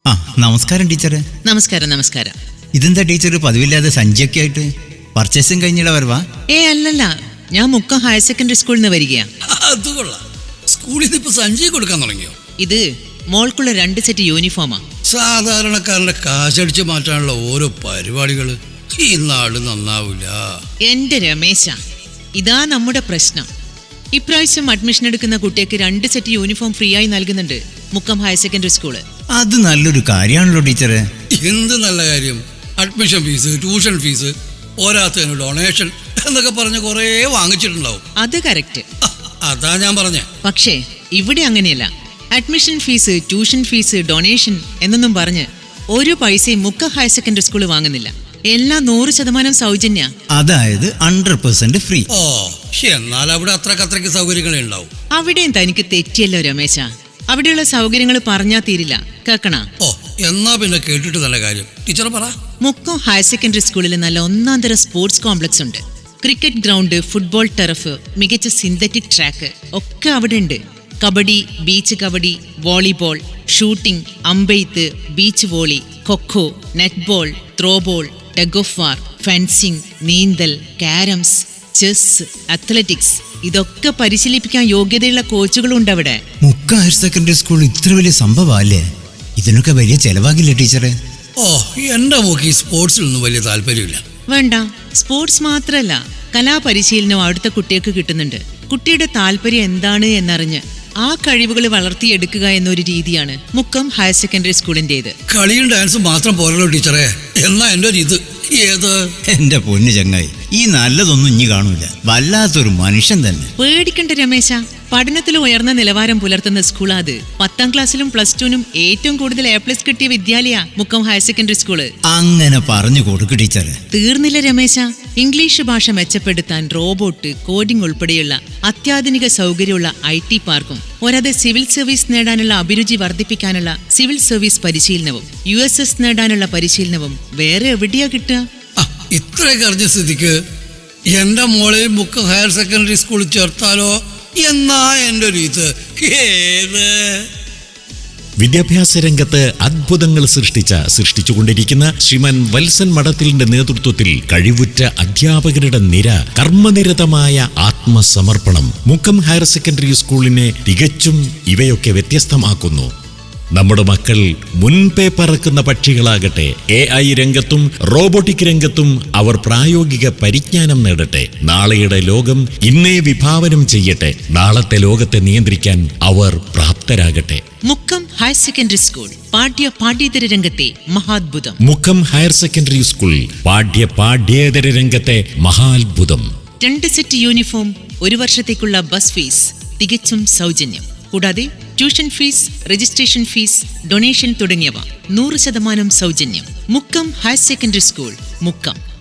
ആ നമസ്കാരം ടീച്ചറെ. നമസ്കാരം നമസ്കാരം. ഇതെന്താ ടീച്ചർ പതിവില്ലാതെ സഞ്ചിയൊക്കെ ആയിട്ട്? പർച്ചേസിങ് കഴിഞ്ഞിട വരവാ? അല്ലല്ല, ഞാൻ മുക്കം ഹയർ സെക്കൻഡറി സ്കൂളിൽ നിന്ന് വരികയാ. അത് കൊള്ളാം. സ്കൂളിൽ നിന്ന് ഇപ്പൊ സഞ്ചി കൊടുക്കാൻ തുടങ്ങിയോ? ഇത് മോൾക്കുള്ള 2 സെറ്റ് യൂണിഫോമാ. സാധാരണക്കാരന്റെ കാശടിച്ച് മാറ്റാനുള്ള ഓരോ പരിപാടികള് ഈ നാട് നന്നാവില്ല. എന്റെ രമേശ, ഇതാ നമ്മുടെ പ്രശ്നം. ഇപ്രാവശ്യം അഡ്മിഷൻ എടുക്കുന്ന കുട്ടിക്ക് 2 സെറ്റ് യൂണിഫോം ഫ്രീ ആയി നൽകുന്നുണ്ട് മുക്കം ഹയർ സെക്കൻഡറി സ്കൂള്. അത് നല്ലൊരു കാര്യമാണല്ലോ ടീച്ചറെ. എന്ത് നല്ല കാര്യം. അഡ്മിഷൻ ഫീസ്, ട്യൂഷൻ ഫീസ്, പോരാത്തതിന് ഡൊണേഷൻ എന്നൊക്കെ പറഞ്ഞ് കുറേ വാങ്ങിച്ചിട്ടുണ്ടാവും. അത് കറക്റ്റ്. അതാ ഞാൻ പറഞ്ഞേ. പക്ഷേ ഇവിടെ അങ്ങനെയല്ല. Admission fees, tuition fees, donation എന്നൊന്നും പറഞ്ഞ് ഒരു പൈസയും മുക്കം ഹയർ സെക്കൻഡറി സ്കൂൾ വാങ്ങുന്നില്ല. എല്ലാം 100% സൗജന്യ. അതായത് 100% ഫ്രീ. ഓ, എന്നാൽ അവിടെ അത്രയ്ക്ക് സൗകര്യങ്ങളെ ഉണ്ടാവും. അവിടെയും തനിക്ക് തെറ്റിയല്ലോ രമേശ. അവിടെയുള്ള സൗകര്യങ്ങൾ പറഞ്ഞാൽ തീരില്ല. കേക്കണ? ഓ, എന്നാ പിന്നെ കേട്ടിട്ട് നല്ല കാര്യം. ടീച്ചർ പറ. മുക്കം ഹയർ സെക്കൻഡറി സ്കൂളിൽ നല്ല ഒന്നാന്തരം സ്പോർട്സ് കോംപ്ലക്സ് ഉണ്ട്. ക്രിക്കറ്റ് ഗ്രൗണ്ട്, ഫുട്ബോൾ ടർഫ്, മികച്ച സിന്തറ്റിക് ട്രാക്ക് ഒക്കെ അവിടെ ഉണ്ട്. Kabaddi, beach kabaddi, volleyball, shooting, അമ്പെയ്ത്ത്, beach volley, kho kho, netball, throwball, tug of war, fencing, നീന്തൽ, കാരംസ്, ചെസ്, അത്ലറ്റിക്സ് ഇതൊക്കെ പരിശീലിപ്പിക്കാൻ യോഗ്യതയുള്ള കോച്ചുകളുണ്ട് അവിടെ. മുക്കം ഹയർ സെക്കൻഡറി സ്കൂൾ ഇത്ര വലിയ സംഭവമല്ലേ? ഇതിനൊക്കെ വലിയ ചെലവാകില്ല ടീച്ചറെ? ഓ, എന്റെ മോക്ക് ഈ സ്പോർട്സിലൊന്നും വലിയ താല്പര്യമില്ല. വേണ്ട, സ്പോർട്സ് മാത്രല്ല, കലാപരിശീലനം അവിടുത്തെ കുട്ടികൾക്ക് കിട്ടുന്നുണ്ട്. കുട്ടിയുടെ താല്പര്യം എന്താണ് എന്നറിഞ്ഞ് ആ കഴിവുകൾ വളർത്തിയെടുക്കുക എന്നൊരു രീതിയാണ് മുക്കം ഹയർ സെക്കൻഡറി സ്കൂളിൻ്റെത്. കളിയും ഡാൻസും മാത്രം പോരല്ലോ ടീച്ചറെ. എന്നാ എൻ്റെ ഒരു ഇത് ഏത്? എന്റെ പൊന്നു ചങ്ങായി, ഈ നല്ലതൊന്നും ഇനി കാണൂല. വല്ലാത്തൊരു മനുഷ്യൻ തന്നെ. പേടിക്കണ്ട രമേശ, പഠനത്തിൽ ഉയർന്ന നിലവാരം പുലർത്തുന്ന സ്കൂളാ അത്. 10ാം ക്ലാസ്സിലും +2നും ഏറ്റവും കൂടുതൽ A+ കിട്ടിയ വിദ്യാലയ മുക്കം ഹയർ സെക്കൻഡറി സ്കൂള്. അങ്ങനെ പറഞ്ഞു കൊടുക്ക് ടീച്ചറെ. തീർന്നില്ല രമേശ. ഇംഗ്ലീഷ് ഭാഷ മെച്ചപ്പെടുത്താൻ റോബോട്ട്, കോഡിംഗ് ഉൾപ്പെടെയുള്ള അത്യാധുനിക സൗകര്യമുള്ള IT പാർക്കും, പോരാതെ സിവിൽ സർവീസ് നേടാനുള്ള അഭിരുചി വർദ്ധിപ്പിക്കാനുള്ള സിവിൽ സർവീസ് പരിശീലനവും, USS നേടാനുള്ള പരിശീലനവും വേറെ എവിടെയാ കിട്ടുക? ഇത്രയൊക്കെ അറിഞ്ഞ സ്ഥിതിക്ക് എന്റെ മോളെ മുക്കം ഹയർ സെക്കൻഡറി സ്കൂളിൽ ചേർത്താലോ എന്നാ എൻ്റെ ഒരു ഇത് ഏത്? വിദ്യാഭ്യാസ രംഗത്ത് അത്ഭുതങ്ങൾ സൃഷ്ടിച്ചുകൊണ്ടിരിക്കുന്ന ശ്രീമാൻ വത്സൻ മഠത്തിലിന്റെ നേതൃത്വത്തിൽ കഴിവുറ്റ അധ്യാപകരുടെ നിര, കർമ്മനിരതമായ ആത്മസമർപ്പണം മുക്കം ഹയർ സെക്കൻഡറി സ്കൂളിനെ തികച്ചും ഇവയൊക്കെ വ്യത്യസ്തമാക്കുന്നു. നമ്മുടെ മക്കൾ മുൻപേ പറക്കുന്ന പക്ഷികളാകട്ടെ. AI രംഗത്തും റോബോട്ടിക് രംഗത്തും അവർ പ്രായോഗിക പരിജ്ഞാനം നേടട്ടെ. നാളെയുടെ ലോകം ഇന്നേ വിഭാവനം ചെയ്യട്ടെ. നാളത്തെ ലോകത്തെ നിയന്ത്രിക്കാൻ അവർ പ്രാപ്തരാകട്ടെ. മുക്കം ഹയർ സെക്കൻഡറി സ്കൂൾ പാഠ്യേതര രംഗത്തെ മഹാത്ഭുതം. മുക്കം ഹയർ സെക്കൻഡറി സ്കൂൾ പാഠ്യേതര രംഗത്തെ മഹാത്ഭുതം. 2 സെറ്റ് യൂണിഫോം, 1 വർഷത്തേക്കുള്ള ബസ് ഫീസ് തികച്ചും സൗജന്യം. കൂടാതെ tuition fees, registration fees, donation തുടങ്ങിയവ 100% സൗജന്യം. Mukkam higher secondary school, Mukkam.